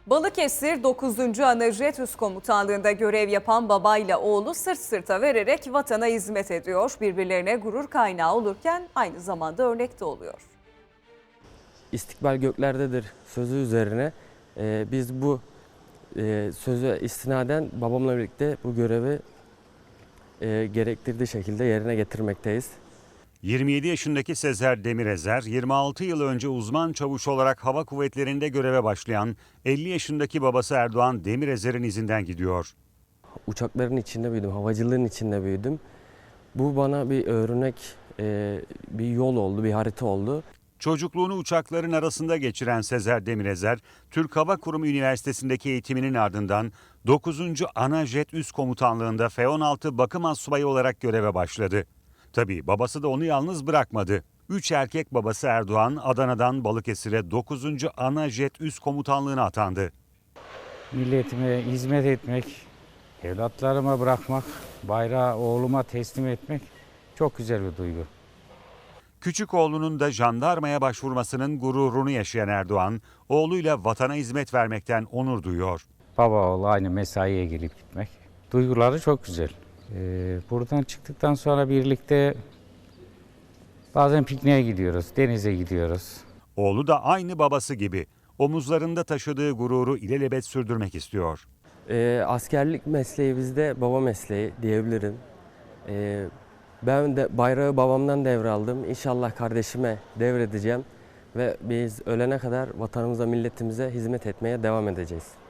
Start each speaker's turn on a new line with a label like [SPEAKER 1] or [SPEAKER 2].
[SPEAKER 1] Balıkesir 9. Anajet Üst Komutanlığı'nda görev yapan babayla oğlu sırt sırta vererek vatana hizmet ediyor. Birbirlerine gurur kaynağı olurken aynı zamanda örnek de oluyor.
[SPEAKER 2] İstikbal göklerdedir sözü üzerine biz bu söze istinaden babamla birlikte bu görevi gerektirdiği şekilde yerine getirmekteyiz.
[SPEAKER 3] 27 yaşındaki Sezer Demirezer, 26 yıl önce uzman çavuş olarak hava kuvvetlerinde göreve başlayan 50 yaşındaki babası Erdoğan Demirezer'in izinden gidiyor.
[SPEAKER 2] Uçakların içinde büyüdüm, havacılığın içinde büyüdüm. Bu bana bir örnek, bir yol oldu, bir harita oldu.
[SPEAKER 3] Çocukluğunu uçakların arasında geçiren Sezer Demirezer, Türk Hava Kurumu Üniversitesi'ndeki eğitiminin ardından 9. Anajet Üst Komutanlığı'nda F-16 bakım astsubayı olarak göreve başladı. Tabii babası da onu yalnız bırakmadı. 3 erkek babası Erdoğan, Adana'dan Balıkesir'e 9. Anajet Üst Komutanlığı'na atandı.
[SPEAKER 4] Milletime hizmet etmek, evlatlarıma bırakmak, bayrağı oğluma teslim etmek çok güzel bir duygu.
[SPEAKER 3] Küçük oğlunun da jandarmaya başvurmasının gururunu yaşayan Erdoğan, oğluyla vatana hizmet vermekten onur duyuyor.
[SPEAKER 4] Baba oğlu aynı mesaiye gelip gitmek. Duyguları çok güzel. Buradan çıktıktan sonra birlikte bazen pikniğe gidiyoruz, denize gidiyoruz.
[SPEAKER 3] Oğlu da aynı babası gibi omuzlarında taşıdığı gururu ilelebet sürdürmek istiyor.
[SPEAKER 2] Askerlik mesleği bizde baba mesleği diyebilirim. Ben de bayrağı babamdan devraldım. İnşallah kardeşime devredeceğim ve biz ölene kadar vatanımıza, milletimize hizmet etmeye devam edeceğiz.